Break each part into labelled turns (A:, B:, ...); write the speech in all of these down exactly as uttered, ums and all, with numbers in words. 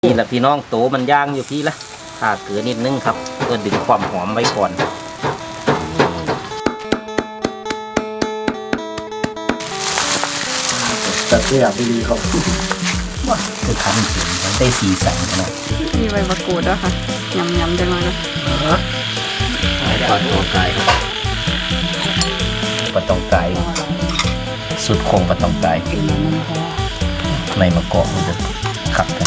A: นี่แหละพี่น้องโตมันย่างอยู่พี่ละถ้าเกลือนิดนึงครับเพื่อดึงความหอมไว้ก่อน
B: แต่เสียดีครับ
A: คือคั้นถึงมันได้สีสันนะ
C: มีใบมะกรูดด้วยค่ะยำยำจังเลยนะ
A: ปลาตองไก่ปลาตองไก่สุดโคงปลาตองไก่ในมะกอกมันจะขับกัน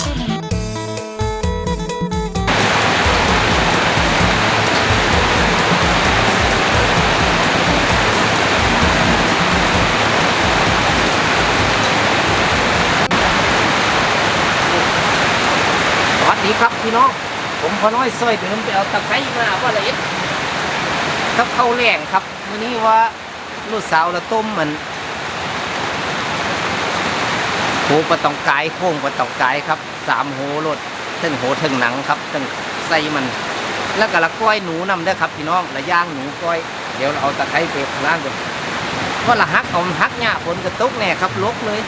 A: สวัสดีครับพี่น้องผมพอน้อยซอยเดิมไปเอาตะไคร้มาว่าละเอียดครับข้าวแรงครับวันนี้ว่าลูกสาวละต้มมันโหปลาตองกายโค้งปลาตองกายครับสามโหรถทั้งโหทั้งหนังครับทั้งใส่มันแล้วก็ละก้อยหนูนำได้ครับพี่น้องละย่างหนูก้อยเดี๋ยวเราเอาตะไคร้ไปข้างล่างก่อนว่าละฮักเอาฮักหญ้าฝนกระตุกแน่ครับลกเลย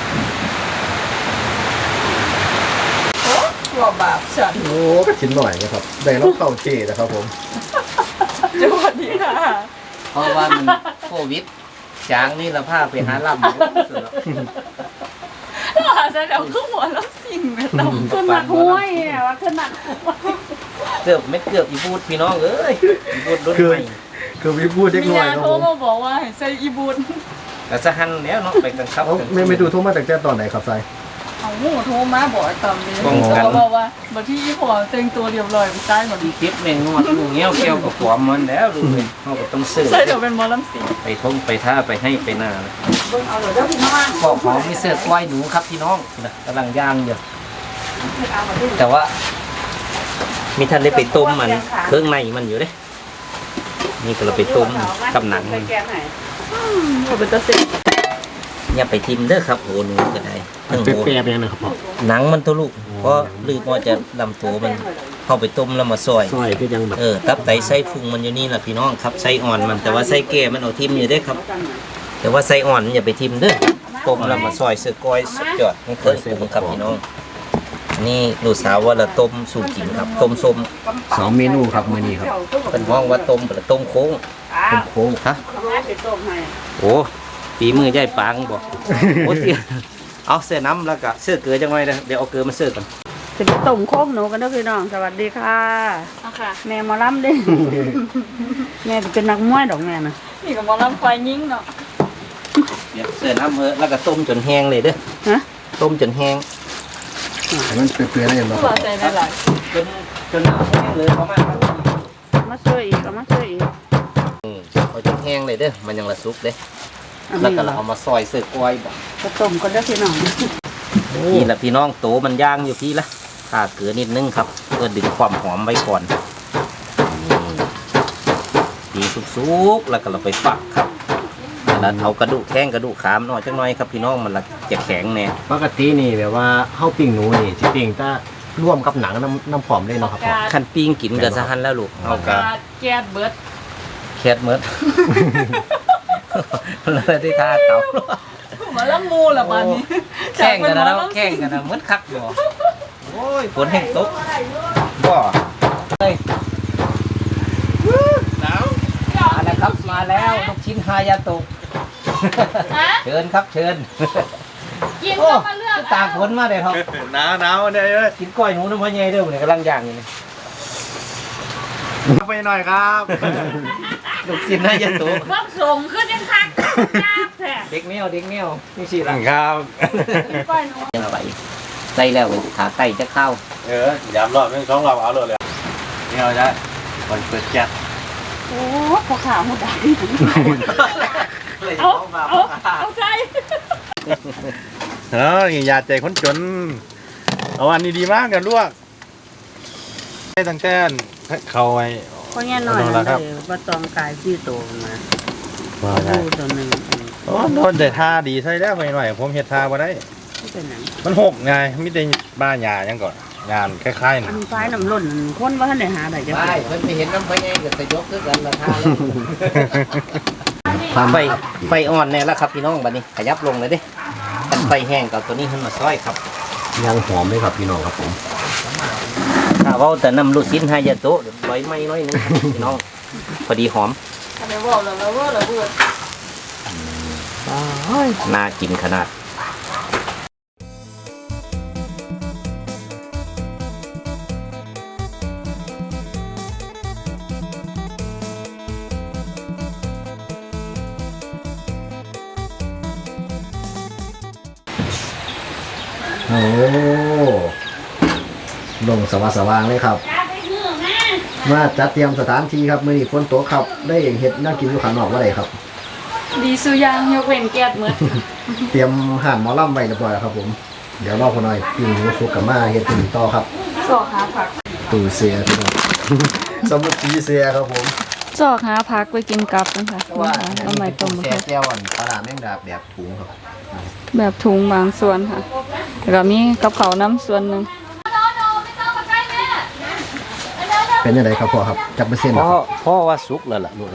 C: ตัวบาปฉัน
B: โอ้ก็ชิ้นหน่อยนะครับได้รับเข้าเจนะครับผม
C: สวัสดีค่ะ
A: เพราะว่ามันโควิดจางนี่ละผ้าไปหาล่ำสุดแล้ว
C: อาจจะเดี๋ยวขึ้นหัวแล้วสิ่งแบบเราขึ้นหนักห้วยเนี่ยว่าขึ้นหนักห้วย
A: เกือบไม่เกือบอีบูดพี่น้องเอ้ยอีบูดรถใหม่
B: คือวิพูดเล็ก
C: มี
B: น้อย
C: ยา
B: ครับ
C: โทร
B: ผม
C: มาบอกว่าให้ใส่อีบุญ
A: แต่สะหันแล้วเนาะไปกันครับ
B: เอ้าไม่ไม่ดูโทรมาแต่แจ้ตอนไหนครับไซ
C: เอาหูโทรมาบอกตอนนี้เขาบอกว่าบางที่อีพอแต่งตัวเรียบร้อยไปใต้หมด
A: ดีคลิปแม่งงวดลูกเงี้ยวเกี่ยวกับความมันแล้วดูเลยเขาก็ต้องซื้อ
C: ใส่เดี๋ยวเป็นมอลล์สี
A: ไปท่องไปท่าไปให้ไปหน้าเลย
C: เบิ่งเอาเดี๋ยวเจ้าพี่น้อง
A: บอกของมีเสื้อกล้วยหนูครับพี่น้องนะกำลังย่างอยู่แต่ว่ามีท่านได้ไปต้มมันเครื่องในมันอยู่เด้นี่ก็เราไปต้มกับหนังมัน
C: ว่าเป็นตะเสร็จ
A: อย่าไปทิมเด้อครับโอ้หนูก็ได้ทั้ง
B: เป
A: โห
B: รี้ยวๆนะครับพ่อ
A: หนังมันตัวลูกเพราะลืมว่าจะลำตัวมันเข้าไปต้มแล้วมาซอย
B: ซอยก็ยังแบบ
A: เออตับไตไส้พุงมันอยู่นี่แหละพี่น้องครับไส้อ่อนมันแต่ว่าไส้แก่มันเอาทิมอยู่ได้ครับ แต่ว่าไส้อ่อนอย่าไปทิมเด้อต้มแล้วมาซอยเสือกอยสุดยอดนี่เคยปรุงครับพี่น้องนี่ลูกสาวว่าละต้มสู่กินครับต้มส้ม
B: สองเมนูครับมื้อนี้ครับ
A: เป็นห้องว่าต้มเป็นต้มโค้ง
B: ต้มโค้ง
A: ฮะโอ้ปีมือย่ายปางบอกโอ้เตี้ยเอาเสื้อน้ำแล้วก็เสื้อเกลือจังไงนะเดี๋ยวเอาเกลือมาเสื้อกัน
C: จะไปต้มโค้งหนูกันนะพี่น้องสวัสดีค่ะแม่หมอลำดิแม่เป็นนักมวยดอกแม่นะนี่กับหมอลำไฟยิงเนาะ
A: เดี๋ยวเสื้อน้ำเฮ้แล้วก็ต้มจนแห้งเลยเด้อ
C: ฮะ
A: ต้มจนแห้ง
B: แต่มันเปรี้ยวๆได้ยังไง
C: ผู้ว่าใส่ได้หลาย
A: จนจนแห้งเลยประมาณนั้น
C: มาช่วยอีกเอามาช่วยอีก
A: อืมเอาจนแห้งเลยเด้อมันยังละซุกเด้
C: อัน
A: แล้ว
C: นี้
A: ก็เราเอามาซอยเสื้อกล้วยบอก
C: ก็ต้มกันได้อพี่น้อง
A: นี่แหละพี่น้องโตมันย่างอยู่พี่ละถ้าเกลือนิดนึงครับเพื่อดึงความหอมไว้ก่อนดีสุกๆแล้วก็เราไปฝักครับแล้วเอากระดูกแข้งกระดูกขามหน่อยจังหน่อยครับพี่น้องมันละจะแข็งแน่
B: ปกตินี่แบบว่าเฮาปิ้งหนูนี่สิปิ้งแต่ร่วมกับหนังน้ำน้ำผอมเลยเนาะครับพ่อ
A: ขั้นปิ้งกินกับสะหันแล้วลูกเอากะ
C: แก๊สเบิร์ด
A: แคดเมิด เลยได้ท่าเต่า
C: หมอลำมูละบ้านนี้
A: แข่งกันนะแล้วแข่งกันนะเหมือนคักบ่โอ้ยฝนแห้งตกบ่เฮ้ยหนาวมาแล้วครับมาแล้วลูกชิ้นฮายาโตะเชิญครับเชิญ
C: กิน
A: โอ้
C: ก็มาเลือก
A: ตากฝนมาเลยครับ
B: หนาวหนาวเนี่ย
A: กินก้อยหนูน้ำมันใหญ่เด้อเนี่ยกำลังย่างอยู่นี่
B: ไปหน่อยครับ
A: ลูกชิ้นฮายาโตะ
C: พวกสมขึ้นยังคักยากแท้
A: เด็กแมวเด็กแมวนี่สิล่ะ
B: ครับ
C: ก้อยหนู
A: ยังไปใส่แล้วขาไก่จะเข้า
D: เออยำรอบนึงสองรอบเอาเลยเลยนี่เอาได้คนเปิดแก๊ส
C: โอ้พอขาหัวดาเอาเอาเอาใจ
D: เอออย่าใจคนจนเอาอันนี้ดีมากกันลวกให้ตั้งแต่เขาไว้
C: เพราะงี้หน่อย
D: เอาละครับ
C: เลยว่าตองกายที่โตมา
D: ว่าได้
C: ดูตัวหนึ่ง
D: โอ้โดนแต่ท่าดีใช่แล้วไปหน่อยผมเห็ดท่ามาได้
C: ที่เป็นหนัง
D: มันหกไงไม่ได้บ้าหยายังก่อนงานคล้ายๆ
C: อั
D: นะ
C: นฟ้ายน้ำล้นคนว่าท่านไหนหาได้จะ
A: ไปเพิ่นไปเห็นน้ำไฟไงก็จะยกขึ้นกันราคาเลยไฟไฟอ่อนแน่แล้วครับพี่น้องบัดนี้ขยับลงเลยเด้กันไฟแห้งกับตัวนี้ขึ้นมาซอยครับ
B: ยังหอมไหมครับพี่น้องครับผม
A: คถ้าเว้าแต่น้ำลูกชิ้นฮายาโตะใบไม้น้อยนึงครับพี่น้องพอดีหอม
C: ทำไมว่าเราเราว่าเราเบื่อ
A: น่ากินขนาด
B: โอ้ลงสว่างสว่างเลยครับมาจัดเตรียมสถานที่ครับมื้อนี้ฝนตกครับได้เฮ็ดน่ากินอยู่ข้างนอกว่าไดครับ
C: ดีสุยางยกเว้นแก๊สเหมือน
B: เตรียมห่านหมอลำไว้เรียบร้อยแล้วครับผมเดี๋ยวรอพอหน่อยปิ้งหมูสุกกับมาเฮ็ดที่นี่ต่อครับ
C: สอกหาผัก
B: ตู้เสียพี่น้อง สมุดสีเสียครับผม
C: สอกหาผักไปกินกับนะคะเอาใหม่ต้ม
B: แซ่
C: ค่ะ
B: แก้วอ่อนปลาร้าแมงดาแบบถุงครับ
C: แบบถุงบางส่วนค่ะแล้วก็มีกับเขาวน้ำส่วนหนึ่ง
B: เป็นยังไงครับพ่อครับจับเปอร์เซ็นต์
A: พ่อ
B: ครับ
A: พ่อว่าสุกแล้วล่ะลูก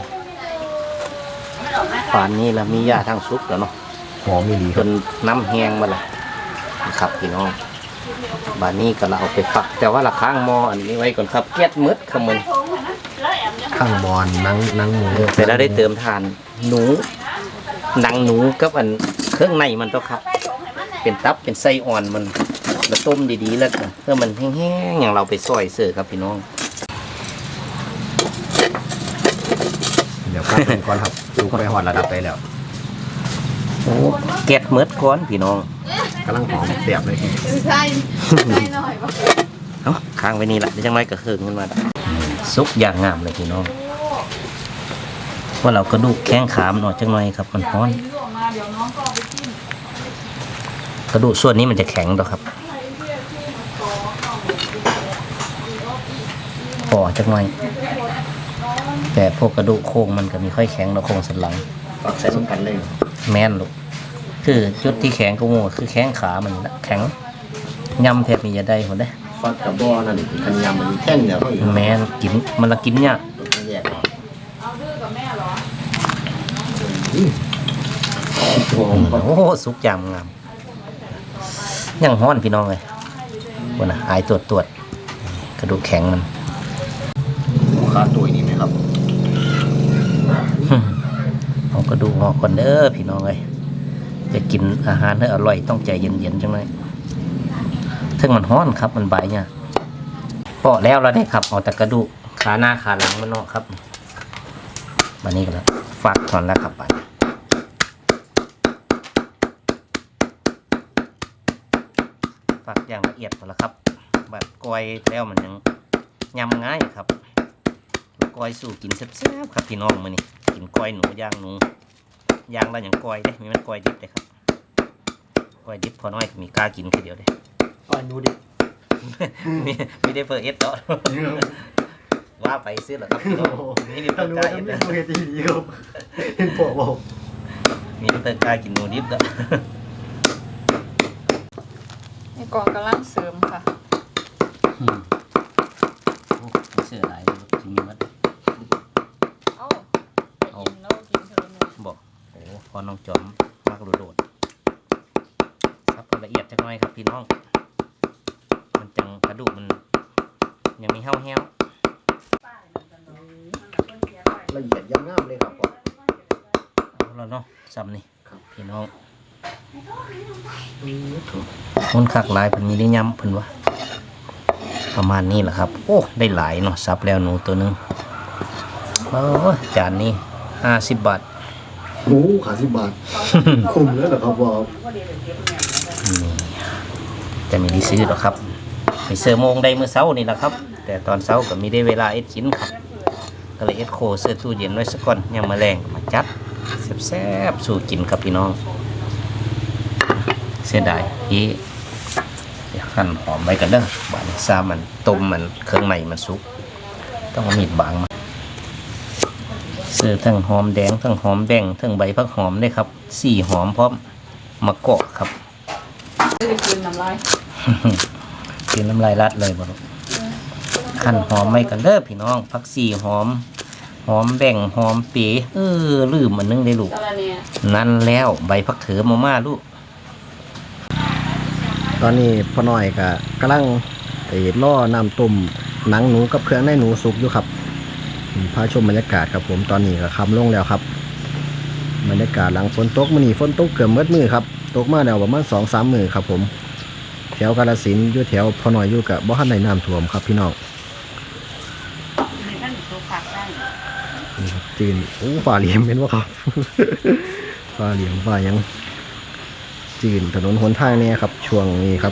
A: ป่านนี้ละมียาทางสุกแล้วเนาะ
B: หอมมีดีค
A: จ
B: รับ
A: นน้ำแห้งมาละครับพี่น้องบานนี้ก็เราเอาไปฝัก แต่ว่าละข้างหมออันนี้ไว้ก่อนครับเกล็ดมืดขมัน
B: ข้างบอลนังนังหมู
A: แต่เราได้เติมทานหนูหนังหนูกับอันเครื่องในมันต้องครับ เป็นตับเป็นไส้อ่อนมันมาต้มดีๆแล้วกันเพื่อมันแห้งๆอย่างเราไปซอยเสิร์ฟครับพี่น้อง
B: เดี๋ยวพักก่อนครับดูไปหอดระดับไปแล้ว
A: โอ้เกล็ดมืดก้อนพี่น้อง
B: กำลังหอมเสียบเลย
C: ใช่ใช่หน่อยป่ะ
A: เอ้าค้างไว้นี่แหละเดี๋ยวจังไรก็เคืองขึ้นมาละซุกอย่างงามเลยพี่น้องว่าเรากระดูกแข้งขามนออกจังหน่อยครับมันร้อน กระดูกส่วนนี้มันจะแข็งดอกครับพอจังหน่อยแต่พวกกระดูกโครงมันก็มีค่อยแข็งดอกโครงสันหลัง
B: ฝักใส่ส้มกันเลย
A: แม่นลูกคือจุดที่แข็งก็โง่คือแข้งขามันละแข็งยำแทบมีจะได้หมดได้
B: ฝักกับบอนั่นคันยำมันแท่งเดียวเขาอีก
A: แม่นกินมันละกินเนี่ยาก
B: แยกออก
A: โอ้โหสุกยำงามยังห้อนพี่น้องเลยวันน่ะหายตรวจตรวจกระดูกแข็งมัน
B: ขาตัวนี้ไหมครับ
A: เอากระดูกออกก่อนเด้อพี่น้องเลยจะกินอาหารให้อร่อยต้องใจเย็นๆจังเลยถึงมันห้อนครับมันใบเนี่ยเปาะแล้วเราได้ครับเอาแต่กระดูกขาหน้าขาหลังมันเนาะครับวันนี้ก็แล้วฟักก่อนแล้วครับไปฟักอย่างละเอียดหมดแล้วครับแบบกอยแล้วมันยังยำง่ายครับกอยสู่กินแซ่บๆครับพี่น้องมื้อนี้กินกอยหนูย่างหนูย่างแล้วอย่างกอยเด้มีมันกอยดิบเลยครับกอยดิบพอน้อยก็มีกล้ากินคือเดียวเด้
B: ก้อนนูดิ
A: มีมีได้เฟอร์เอสเนาะว่าไปซื้อเหรอครับพี่น้องนี่ดิบ
B: ถ้า
A: เตอ
B: นู
A: ร์กาย
B: ทำ
A: เอ
B: ไม่
A: ส
B: ดูเฮตีดีครับเห็นพ่อบอก
A: มีดิบเตอร์กายกินหนูดิบเนาะ
C: นี่ก่อนกำลังเสริมค่ะ
A: อืมโอ้เสื้อหลายเลยที่มีมัด
C: เอ้ากินแล้วกินเถอะหนู
A: บอกโอ้พอน้องจอมมากโดดๆซับละเอียดจักหน่อยครับพี่น้องมันจังกระดูกมันยังมีเห้าแห้ว
B: ละเอียดย่ำงามเลยครับพ่อ
A: เอาแล้วเนาะซ้ำนี่ครับพี่น้องคนคักหลายเพิ่นมีได้ย้ำเพิ่นว่าประมาณนี้แหละครับโอ้ได้หลายเนาะซับแล้วหนูตัวหนึงโอ้จานนี้ห้าสิบบาท
B: โอ้ขาสิบบาท คุ้มแล้วเหรอครับพ่อ
A: นี่แต่ไม่ได้ซื้อหรอกครับไปเซอร์โมงได้เมื่อเช้านี่แหละครับ แต่ตอนเช้าก็มีได้เวลาเอ็ดกินครับก็เลยเอ็ดโคเสื้อตู้เย็นไว้สักก่อนยังมาแรงก็มาจัดแซ่บๆสู่กินครับพี่น้องเสียดายที่หั่นหอมไว้กันเด้อบานซามันต้มมันเครื่องในมันสุกต้องเอามีดบางมาเสื้อทั้งหอมแดงทั้งหอมแดงทั้งใบผักหอมได้ครับสี่หอมพร้อมมะกอกครับ
C: จะกินน้ำลาย
A: กินน้ำลายรัดเลยบ่ลูกขั้นหอมไม่กันเด้อพี่น้องผักชีหอมหอมแบ่งหอมเป๋เออลืมมันนึงได้ลูก
C: ตะละเนี่ย
A: นั่นแล้วใบผักเถือมาม่าลูก
B: ตอนนี้พ่อหน่อยก็กำลังไอ้ล่อน้ำต้มหนังหนูกับเครื่องในหนูสุกอยู่ครับพาชมบรรยากาศครับผมตอนนี้ก็ค่ำลงแล้วครับบรรยากาศหลังฝนตกมื้อนี้ฝนตกเกือบมืดมือครับตกมาแล้วประมาณสองสามมื้อครับผมแถวกาฬสินธุ์อยู่แถวพอน้อยอยู่กับบ่ทันได้น้ำท่วมครับพี่น้องนี่ครับจีนโอ้ฝ่าเหลี่ยมเป็นวะครับ ฝ่าเหลี่ยมฝ่ายังจีนถนนหนทางเนี่ยครับช่วงนี้ครับ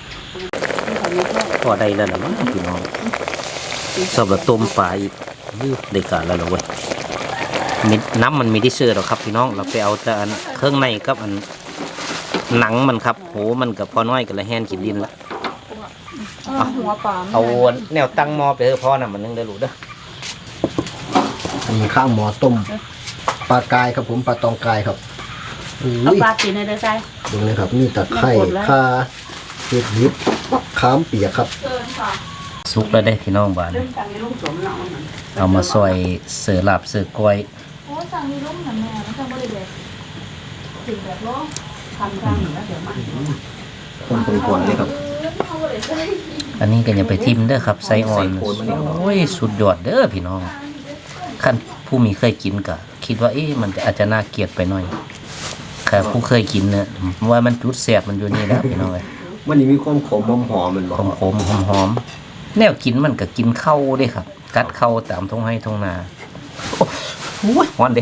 A: พอได้แล้วนะมั้งพี่น้องสอบละต้มปลาอีกยืดได้การแล้วเหรอเว้ยมิดน้ำมันมีที่เชื่อหรอครับพี่น้องเราไปเอาแต่อันเครื่องในกับอันหนังมันครับโหมันกับพอน้อยกับละแหนขีดดินละ
C: หัวปลา
A: เอาแนวตั้งหม้อไปเถอะพ่อน่ะมันนึงได้รู้เด้อ
B: อันนี้ข้างหมอต้มปลากายครับผมปลาตองกายครับ
C: เอา
B: อุ้ย
C: ปลาตีนในเด้อใช่
B: ดูเลยครับนี่ตะไคร้ข่าเห็ดยิบข้ามเปียกครับ
A: สุกแล้วได้พี่น้องบ้าน
C: เรื่องการในลูกสมเรา
A: เอามาซอยเสือลาบเสือกล้วย
C: โอ้สั่งมีลูกนะแม่ไม่ต้องบริเวณถึงแบบร้องทำกันแล้วเดี๋ยวมา
B: คนคนคนเลยครับ
A: อันนี้ก็อย่าไปทิมเด้อครับไซออนโอ้ยสุดยอดเด้อพี่น้องขั้นผู้มีเคยกินก็คิดว่าเอ๊ะมันอาจจะน่าเกลียดไปหน่อยค่ะผู้เคยกินเนี่ยว่ามันจุดแสบมันอยู่นี่แล้วพี่น้องเลย
B: วันนี้มีความขมหอมหอมมันบ
A: ขมขมหอมหอมๆแนวกินมันก็กินเข้าเด้ครับ กัดเข้าตามท้องให้ท้องนาโอ้ยฮ้อนเด้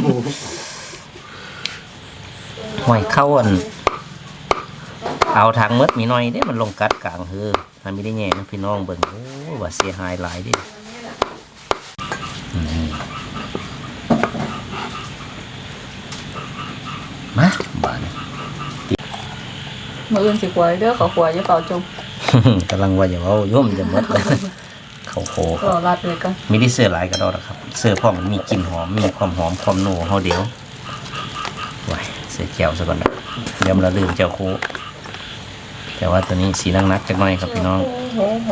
A: หอยเข้าอันเอาทางมดมีหน่อยเด้มันลงกัดกลางเฮือมันไม่ได้แง่นะพี่น้องเบิ่งโอ้ว่าเสียหายหลายเดิมาบ้าน
C: มืออื่นสิขวายเด้อขอขวายจะเป่าจม
A: กำลังว่าอย่าเอาย่อมจะหมดเลยเขาโคค
C: ก็
A: รับ
C: รัดเลยก็
A: มีที่เสื้อหลายกระดอกนะครับ เสื้อพ่อมันมีกลิ่นหอมมีความหอมความนัวเฮาเดียวไว้เสื้อเขียวซะก่อนนะเดี๋ยวมันละลืมเจ้าโคแต่ว่าตัวนี้สีนักนักๆจักหน่อยครับพี่น้อง
C: โอ้โห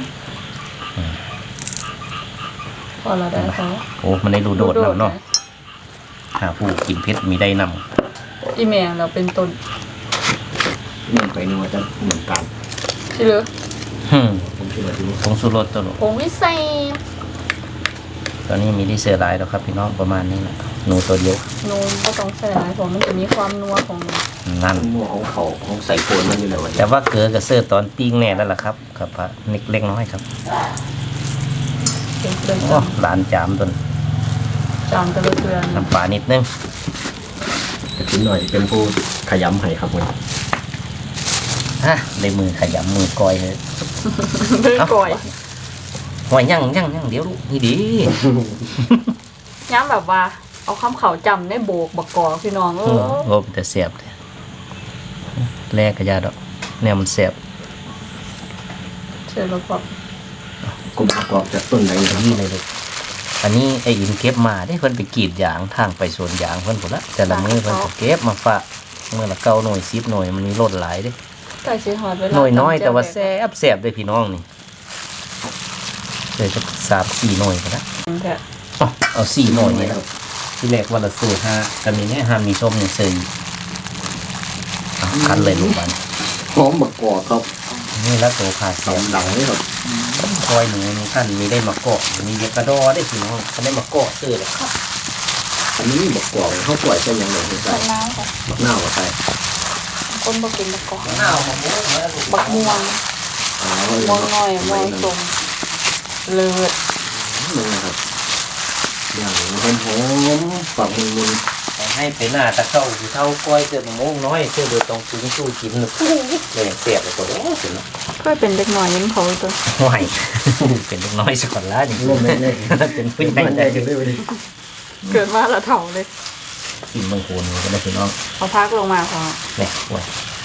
C: พอเราได้พอ
A: โอ้มันได้รูโดดแล้วเนาะหาผู้กินเพชรมีได้นำ
C: อีเมลเราเป็นต้น
B: เนื่องไปนึกว่าจะเหมือนกัน
C: ใช่หรือ
A: ฮึ่ม
B: ผมคิดว่าที่นี่
A: ผงสุรสตัวหนู
C: ผงวิเศษ
A: ตอนนี้มีที่เสื้อหลายแล้วครับพี่น้องประมาณนี้แหละหนูตัวเดียว
C: นูนก็ต้องใส่หลายผมมันจะมีความนัวของ
A: นั่น
B: หม้อของเขาของใส่โคนมันอยู่เลยวันนี้
A: แต่ว่าเกลือกับเสื้อตอนปิ้งแน่แล้วล่ะครับครับพระนิดเล็กน้อยครับ
C: เป็นเกลือ
A: โอ้หลานจามตัวนั้น
C: จามกระเทือน
A: น้ำปลานิดนึง
B: แต่คุณหน่อยเป็นผู้ขยำให้ครับวัน
A: ฮะในมือขยำมือก้อยเลย
C: เรื่องก่อย
A: หอยยั่งยั่งยั่งเดี๋ยวลูกนี่ดี
C: ย้ำแบบว่า เอาคำเขาจำในโบกบักกอกพี่น้องเอ
A: โอ้
C: อ
A: โหแต่เสียบแรกกระยาดอกแนวมันเสียบ
C: เชิญแล้วก็
B: กลมประกอบจากต้นไหนครับ
A: นี่เลยลูกอันนี้ไอ้อินเก็บมาได้เพิ่นไปกรีดยางทางไปสวนยางเพิ่นผลละแต่ละมือเพิ่นก็เก็บมาฝากเมื่อละเก้าหน่วยสิบหน่วยมันมีรถหลายเด้
C: ใส่สีหอดเวลา
A: หน่วยน้อยแต่ว่าแซ่บแซ่บเลยพี่น้องนี่เดี๋ยวจะสามสี่หน่วยก็ได้
C: แค่
A: เอาเอาสี่หน่วยนี่ครับที่แรกวันละสูตรห้ากันมีเนี่ยห้ามีส้มเนี่ยเซยเอาคันเลยลูกมัน
B: หอมประกอบครับ
A: นี่ละตัวขาเสียบ
B: ดำหลังเลยครับ
A: คอยหนูนี่ท่านมีได้มาเกาะมีเยกระดอได้พี่น้องท่านได้มาเกาะซื้อเลยครับ
B: อันนี้ประกอบเขาปล่อยใช่ยังไงใส่
C: น้ำค่ะ
B: บักหน้าว่าใส่
C: คนบ่กินบักกอก
A: ข้าวมะม่วงแล้ว
C: บักม่วง
B: อ๋อ
C: ม่วงน้อยม่วงสมเลือด
B: นี่นะครับอย่างหอมหอมฝักมุนมุน
A: ให้ไปหน้าตะเข้าคือเท่าก้อยเสื้อมะม่วงน้อยเสื้อเดือดตรงซุ้งสู้กินเลยเลยเสียบเลยตัวโอ้เสียแล้ว
C: ก็เป็นเด็กหน่อยยิ้มเขาตัว
A: ไหวเป็นเล็กน้อยสักคนละนี่
B: ร่วมแม่แน่
A: เป็นผู้ใหญ่
B: มัน
A: ได้
B: ได้กันได้ไปดิ
C: เกิดมาละเถ่าเลย
A: กินบางคนก็ได้พี่น้อง
C: เอาพักลงมาพอ
A: เนี่ยไหว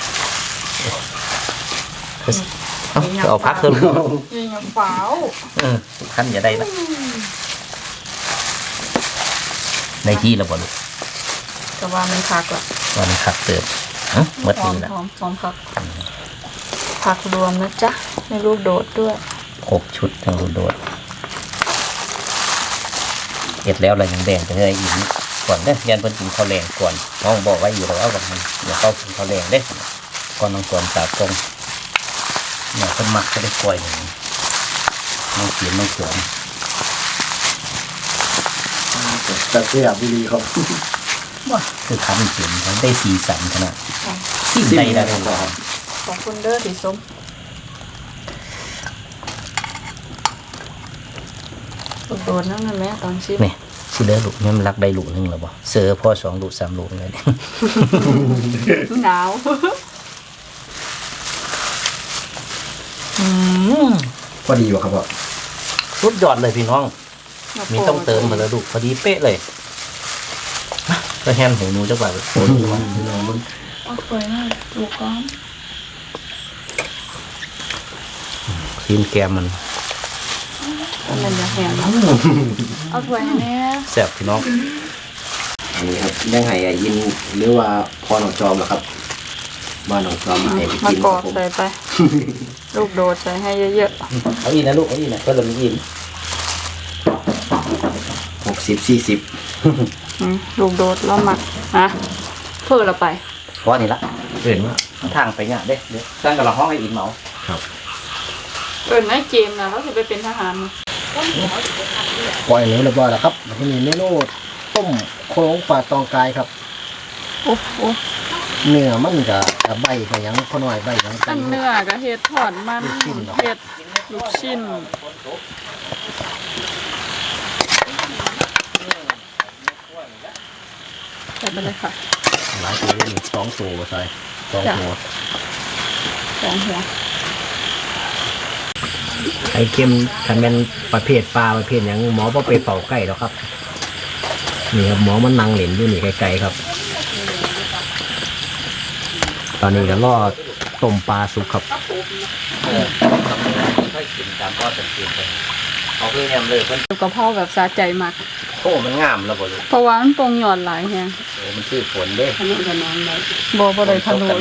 A: เอาเอาพักเถอะลูก
C: ยิงเปล่า
A: เออขั้นอย่าได้ละในที่ระบบลูก
C: แต่ว่ามันพักละ
A: วันขัดเติมฮะเมื่อ
C: พร้อ
A: นี้
C: ม
A: ละ
C: พร้อมพร้อมพักพักรวมนะจ๊ะในรูปโดดด้วย
A: ครบชุดทั้งรูโดดเอ็ดแล้วอะไรยังแดงไปเลยอีกก่อนเด้อยันเพิ่นกินข้าวแรงก่อนน้องบอกไว้อยู่แล้วว่ามันอย่าเข้ากินข้าวแรงเด้ก่อนน้องก่อนตากงเนี่ยเป็นมักจะได้กล้วยหนึ่งน้องเขียนน้องเขียน
B: แต่เสียบุรีครับ
A: ว่าคือทำเขียนมันได้สีสันขนาดสีใดได้เลยครับ
C: ของคุณเด้อสีส้มโดนนั่นแม่ตอนชิม
A: นี่สิเลือลูกนี่มันรักได้ลูกหนึงหรอบ่เสือพ่อสองลูกสามลูกเลย
C: หนาว
B: พอดีอยู่ครับพ่อ
A: สุดยอดเลยพี่น้อง มีต้องเติมมาแล้วลูกพอดีเป๊ะเลยมาก็แฮนหูหนูจักบาทโอ้ยมันพี่น้องมัน
C: เอาสวยมากลูกก้อน
A: ทีมแกมมัน
C: มันจะแห้งเอาถ้วยให้แม่
A: แซ่บพี่น้อง
B: อันนี้ครับยังไงอะยินหรือว่าพอหนองจอมเหรอครับบ้านหนองจอมมาให้ไป
C: มา
B: กิน
C: ก
B: ค
C: อ
B: รับ
C: ด
B: ผม
C: ใส่ไป ลูกโดดใส่ให้เยอะ
A: เอาอีกนะลูกเอาอีกนะก็เลยมีอีก
B: หกสิบสี่สิบ
C: ๆอืมลูกโดดแล้วหมักนะเพื่อเราไป
A: เพราะนี่ละเห็นว่าทางไปเนี่ยเด้เดี๋ยวสร้างกับเราห้องให้อีกเหมา
C: เออในเกมนะเราจะไปเป็นทหาร
B: ปล่อยเนื้อเรียบร้อยแล้วครับที่นี่เมนูต้มโครงปลาตองกายครับ
C: โอ้โห
B: เนื้อมันกับใบกับหยังพอหน่อยใบหยัง
C: อันเนื้อกับเห็ดถอนมันเห็ดลูกชิ้นใส่ไปเลยค่ะ
B: หลายตัวนี่สองตัวใส่สองตัว
C: สองหัว
B: ไข่เค็มคันเป็นประเภทปลาประเภทหยังหมอบ่ไปเป่าไก่หรอกครับนี่ครับหมอมันนั่งเหล่นอยู่นี่ไกลๆครับ ตอนนี้ก็รอต้มปลาสุกครับ
A: เออค่อยกินตามก็สังเกตไปเขาคือแฮมเลยเพิ่น
C: ลูกกระเพราแบบสะใจมาก
A: โอ้มันงามแล้วบ่ลูก
C: เพราะว่ามันปรุงหย่อนหลายแฮง
A: โอ้มันชื่อฝนเด้
C: อันนี้จะนอนได้บ่บ่ได้ทะลุละ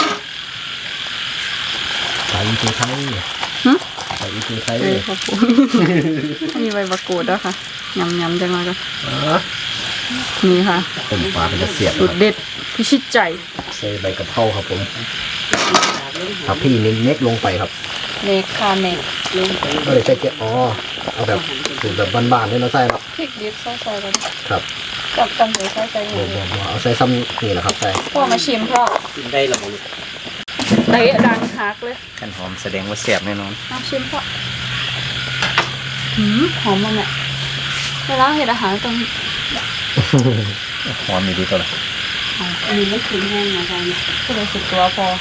B: ใส่อีกไข่
C: หึ
B: ใส่อีกไข่
C: เออขอบคุณมีใบมะกรูดด้วยค่ะยำยำจังเลยก็นี่ค่ะ
B: ต้มปลาเป็นจะเสียบ
C: สูตรเด็ดพิชิตใจ
B: ใส่ใบกะเพราครับผมครับพี่เน้นเน็กลงไปครับ
C: เนกค่ะเนกลงไป
B: ก็เลยใส่เกลืออ๋อเอาแบบสูตรแบบบ้านๆเลยเนาะใส่เนาะ
C: พริกดิบใส่ๆกัน
B: ครับ
C: กับกันหรือใส่ใจห
B: บ่
C: มู
B: บ่บ่เอาใส่ซ้ำนี่แหละครับใส่
C: พ่อมาชิมพ่อ
A: กินได้แล้วบ่ลูก
C: เตะดังฮักเลย
A: กันหอมแสดงว่าแซ่บแน่นอน
C: มาชิมพ่อหืมหอมมากเนี่ยเวลาเห็ดอาหารต้อง
A: หอมมีดีตัวละ
C: หอมอันนี้ไม่ถึงแห้งนะจ๊ะเนี่ยก็เลยสุดตัวพอ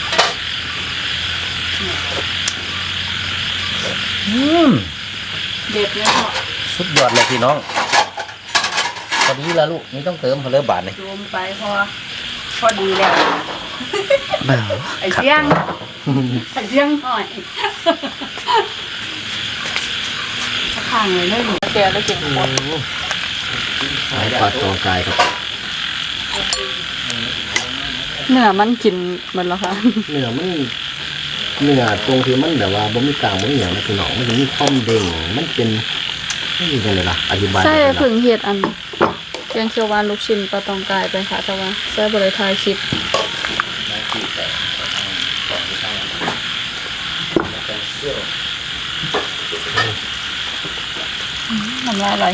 C: อืมเด็ดเลยพ่อ
A: สุดยอดเลยพี่น้องพอดีแล้วลูกนี่ต้องเติมเพลอบาทเลย
C: รวมไปพอพอดีแล้ว ไอ้เจียง ไอ้เจียงหน่อยข้างเลยได้หนูแกได้กินหมด
B: ปลาตองกายครับ
C: เนื้อมันกินหมดแล้วค่ะ
B: เนื้อมันเนื้อตรงที่มันแบบว่าบ่มีกลางบ่มีหยังนะพี่น้องมันจะมีความเด้งมันเป็นนี่จังเลยล่ะอธิบาย
C: ใช่
B: ได้
C: ผึ่
B: ล่ะ
C: งเห็ดอันแกงเขียวหวานลูกชิ้นปลาตองกายไปค่ะแต่ว่าใส่บริทายคลิปน้ำลายไหล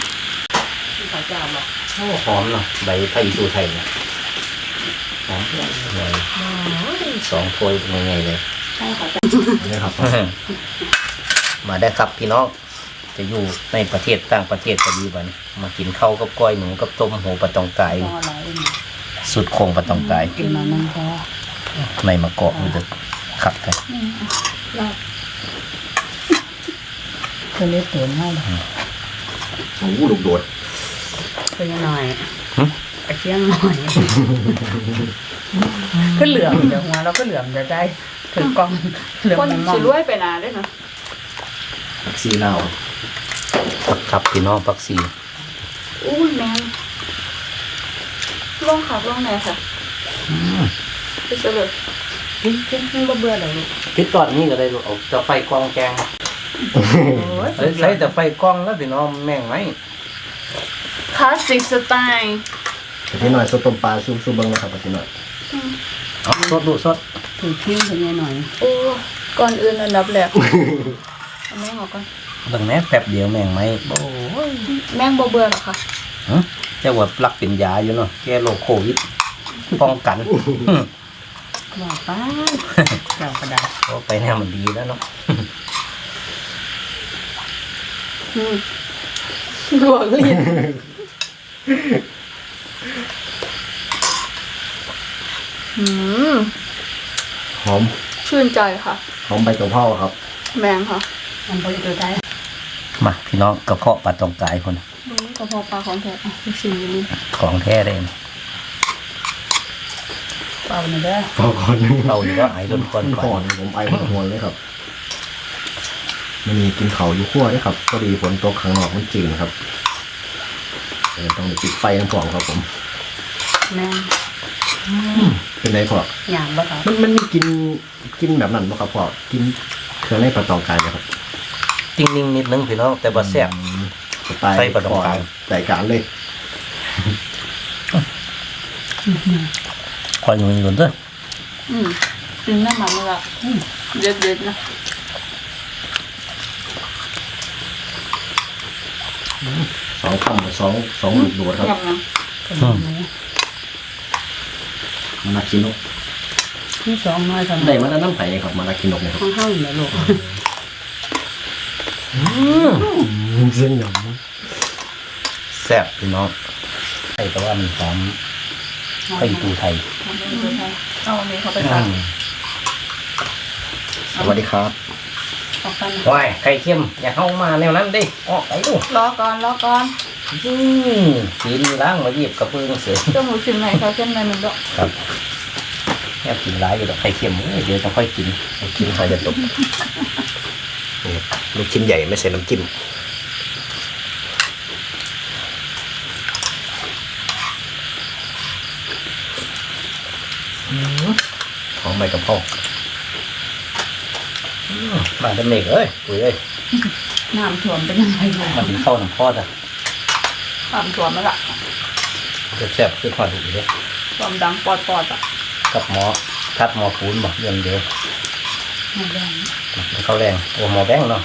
A: โอ้หอมเนาะใบไผ่สูไทยเนี่ยหอมเลยสองถ้วยเป็นไงเลย
C: ใช่ค่ะ
B: นี่ครับ
A: มาได้ครับพี่น้องจะอยู่ในประเทศต่างประเทศก็ดีบัดนมากินข้าวกับก้อยหนูกับต้มหูปลาตองกาย
C: พอไหล
A: สุดโครงปลาตองกาย
C: กินมามันพอ
A: ในมะกอกมันจะขับกัน
C: เธอเล็กเติมให้
B: โอ้โหลูกโดด
C: เป็นยังหน่อยไอ้เชียงหน่อยก็เหลือมเดี๋ยวหัวเราก็เหลือมจะได้ถือกล้องเหลือมมองสิรวยไปนานได้เนาะ
B: ผักซีลาว
A: ครับพี่น้องปักซี
C: อู้ยแมงลองขับลองไหนค่ะไปเฉลยกินกินกินบ่เบื่อเลยลูก
A: พิษตอนนี้ก็ได้ลูกเอาจะไฟกล้องแกงเอ้ยใช้แต่ไฟกล้องแล้วพี่น้องแม่งไหม
C: คลาสสิกสไตล์
B: พี่หน่อยสดต้มปลาซุปซุปเบิ้งนะครับพี่หน่อย
A: เอาสดดูสด
C: ถือพิ้งถึงไงหน่อยโอ้ก่อนอื่นอันดับแรกเอาแมงออกก่อน
A: เบิ่งแม่แป๊บเดียวแม่งไหมโอ้ย
C: แมงบ่เบื่อหรอคะ
A: ฮะเจ้าว่าปลักเป็นยาอยู่เนาะแก้โรคโควิดป้องกัน
C: ว่าไปเจ้ากระดาษ
A: ก็ไปแนวมันดีแล้วเนาะ
C: ลวกลิ้นอืม
B: หอม
C: ชื่นใจค่ะ
B: หอมใบกะเพราครับ
C: แมงค่ะมันเป็นตัวไทย
A: มาพี่น้องกระเพาะปลาตองกายคน
C: กระเพาะปลาของแท้อ่ะลูกชิ้นอยู่นี่
A: ของแท้เลย
C: เปล่าหน่อยเด้อ
B: พอก่อน
A: เราอยู่ก็ไอ้ต้นก่อนก่
B: ก่อ
A: อน น
B: ผมไอหัวเลยครับมันมีกินเขาวอยู่ขั้วด้วยครับพอดีฝนตกข้างนอกมันจืดครับเออต้องปิดไฟทั้งสองครับผม
C: แมง
B: เป็นไรพอ
C: อย่างบ่ครับ
B: มันมันมีกินกินแบบนั้นป่ะครับพอกินเครื่องในปลาตองกายนะครับ
A: ติ้งนิ่งนิดนึงพี่น้องแต่บ่แซ่บ
B: สไตล์
A: ใส่ปลาตองกาย
B: ใส่การเลย
A: คอยอยู่นี่ก่อนเด้อ
C: อืมกินน้ำมันเลยละอืมเด็ดเด็ดๆนะ
B: สองคำกับสองสองลูกโดดครับ
C: ยำนะ
A: อืม
B: มานาคินก
C: ที่สองน้อยทำ
B: ได้มาแล้วน้ำไผ่ครับมานาคินกเนี่ยครับ
C: ข้างข้างๆเลยลูก
B: เส้นหย
A: แซ่บพี่น้องใช่แต่ว่ามันหอมไปตูไทย
C: เอาอันนี้เขาไป
A: อื
C: ทาน
A: ม
B: ำสวัสดีครับ
C: ออกไปนะ
A: ว้ายไข่เค็มอย่าเข้ามาแนวนั้นดิออกไปดู
C: รอก่อนรอก่อน
A: อืมกินล้างมาหยิบกระเบื้องเสือ
C: เจ้าหมูชิ้นไหนเขาเส้นในหนึ่งดอก
A: ครับแค่กินร้ายอยู่ดอกไข่เค็มเอ้ยเดี๋ยวจะค่อยกิน
B: กินไข่จะตกนี่ลูกชิ้นใหญ่ไม่ใส่น้ำจิ้มหอมใบกะเพรา
A: อืมมาเป็นเมกเอ้ยปุ๋ยเอ้ย
C: น้ำถ่วมเป็นยังไงอยู่
A: มากินข้าวน้ำพอดอ่ะ
C: น้ำถ่วมมาละ
A: แซ่บๆคือทอดอีกเลย
C: ความดังปอดปอดๆอ่ะ
A: กับหมอทัดหมอปูนบอกเรื่องเดียว
C: น้ำแดง
A: มันข้าวแรงโอ้หมอแบงค์เนาะ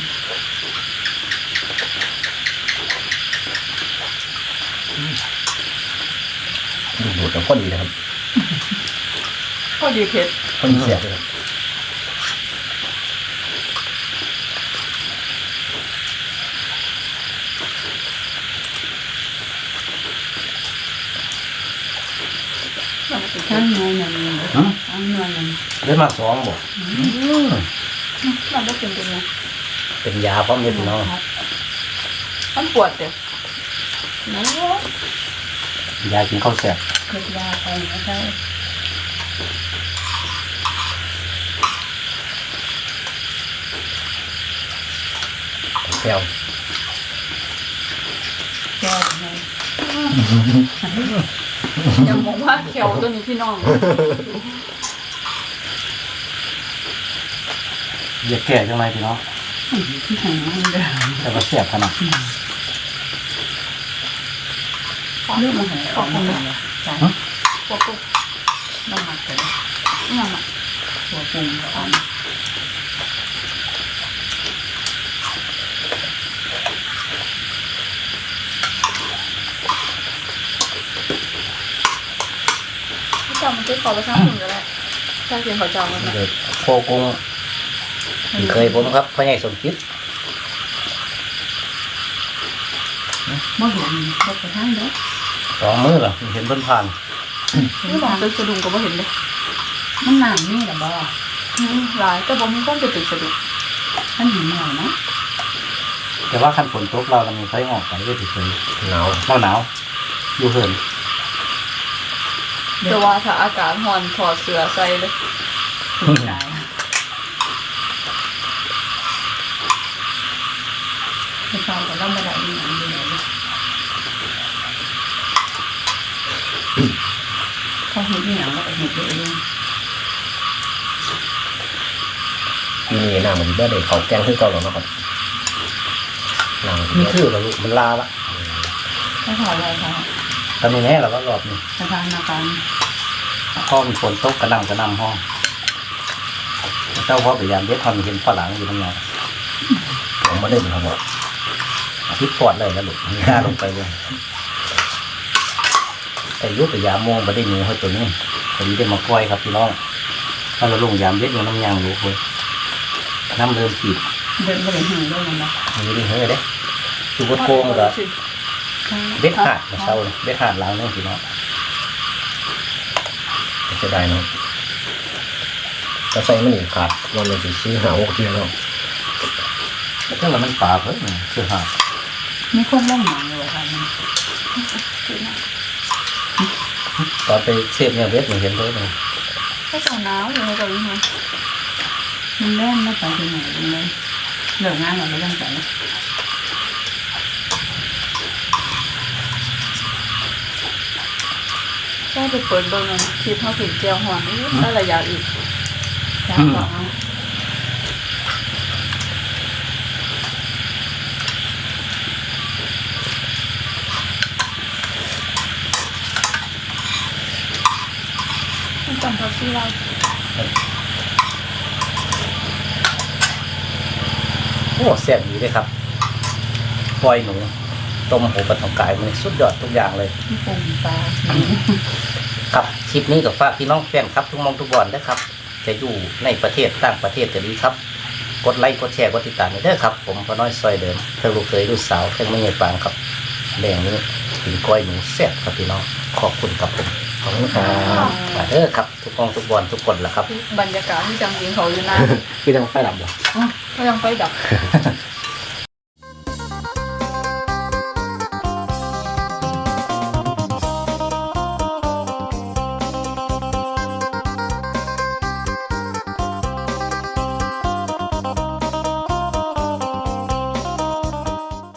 A: ดูดแล้วก็ดีนะครับ
C: ก็ดีเผ็ด
A: คนเสียบเลย
C: ข้างในนั่น
A: หืม
C: ข้างในนั่น
A: ได้มาสองบอก
C: มันก็เป็นเป็นไง
A: เป็นยาพร้อมเย็บน้อง
C: มันปวดเด็กนั่น
A: ยากินข้าวแซ่บ
C: เกิดยาไปนะเจ้า
A: แซ่บ
C: แก้ไงยังมองว่าเขียวตัวนี้พี่น้อง
A: อย่าแก่จังไรพี่น้อง
C: ที่ไหนมันเด้อ
A: แต่ว่าแซ่บขนาด
C: เรื่องมันไหนออกมาเนี่ยใช่พวกปุ๊บน้ำมันเกิดน้ำมันตัวปรุงอ่อนพี่จอมมันจะขอไปสร้างหุ่นก็ได้ใช่เพียงขอจองมันนะ
A: เดี๋ยวโคกุ้งที่เคยผมครับพ่อใหญ่สมคิด
C: บ่เห็นบ่ไปทางเด้อ
A: สองมือเหรอเห็นเพิ่นผ่าน
C: นี่มองตึกสะดุ้งก็บ่เห็นเลยมันหนามนี่แหละบ่หลายแต่บ่มีความจะตึกสะดุ้งมันเห็นหน่อยนะ
A: แต่ว่าคันฝนตกเราเรามีไฟออกไปก็ถือเคย
B: หนาว
A: เราหนาวอยู่เหิน
C: แต่ว่าถ้าอากาศร้อนถอดเสื้อใส่เลยได้ไม่ทราบก็ลำบากอีหยังอยู่ไหนเขาเห็นอีหยังแล้วก็เห็นตัวเอง
B: ปีนี้หน้ามันก็ได้เขาแกงขึ้นเก่าแล้วนะครับหนัง
A: นี่คือเราลูกมันลาละ
C: ถ้าถอดอะไรคะ
A: ตอนนี้แน่เราก็รอบนี้
C: สถานการณ์
A: พอมันฝนตกกระหน่ำกระหน่ำห้องเจ้าพ่อพยายามเด็ดทำเห็นฝรั่งอยู่ตั้งนานผมไม่ได้เป็นเขาบอกอาทิตย์ก่อนเลยแล้วหลุดมีหน้าลงไปเลยแต่ยุบพยายามมองมาได้หนูเขาตัวนี้พอดีได้มาก้อยครับพี่น้องถ้าเราลงยามเด็ดอยู่น้ำยางรู้เลยน้ำเริ่มขีด
C: เดินไปเลยหึงด้วยมันนะ
A: มีได้เฮ้ยเด้คือวัดโค้งเลยเบ็ดหาดมาเช่าเลยเบ็ดหาดล้างนี่พี่น้องจะได้เนาะ
B: จะใส่มันอีกขาดวันละสี่สี่หาหกเทียแล้ว
A: ก็แล้วมันป่าเพิ่มคือหาด
C: มีคนล่องหนังอยู่ค่ะมัน
A: ตอนไปเชฟเนี่ยเบ็ดมันเห็นเลยเลย
C: ก็จะหนาวอยู่ในตรงนี้มันแน่นไม่ไปที่ไหนเลยเหลืองานเราไม่ต้องไปแค่ไปเปิดเบอร์มันคลิปเขาถึงเจียวหอนได้ระยะอีกแค่สองจำเขาชื่อเรา
A: โอ้แซ่บดีเลยครับก้อยหนูต้มหูปลาทองกายมันสุดยอดทุกอย่างเลย
C: ที่ปงปลา
A: ครับคลิปนี้กับฝากพี่น้องแฟนครับทุกมองทุกบอลนะครับจะอยู่ในประเทศต่างประเทศก็ดีครับกดไลค์กดแชร์กดติดตามเด้อครับผมพอน้อยซอยเดิมเพื่อลูกเคยลูกสาวเพื่อไม่ใหญ่ฟางครับแดงนี้ถึงก้อยหนูแซ่บครับพี่น้องขอบคุณครับผม
B: ขอบคุณครับ
A: มาเด้อครับทุกมองทุกบอลทุกคนละครับ
C: บรรยากาศที่จังกินเขาอยู่นะ
B: คือยังไฟดับบ่
C: ก็ยังไฟดับ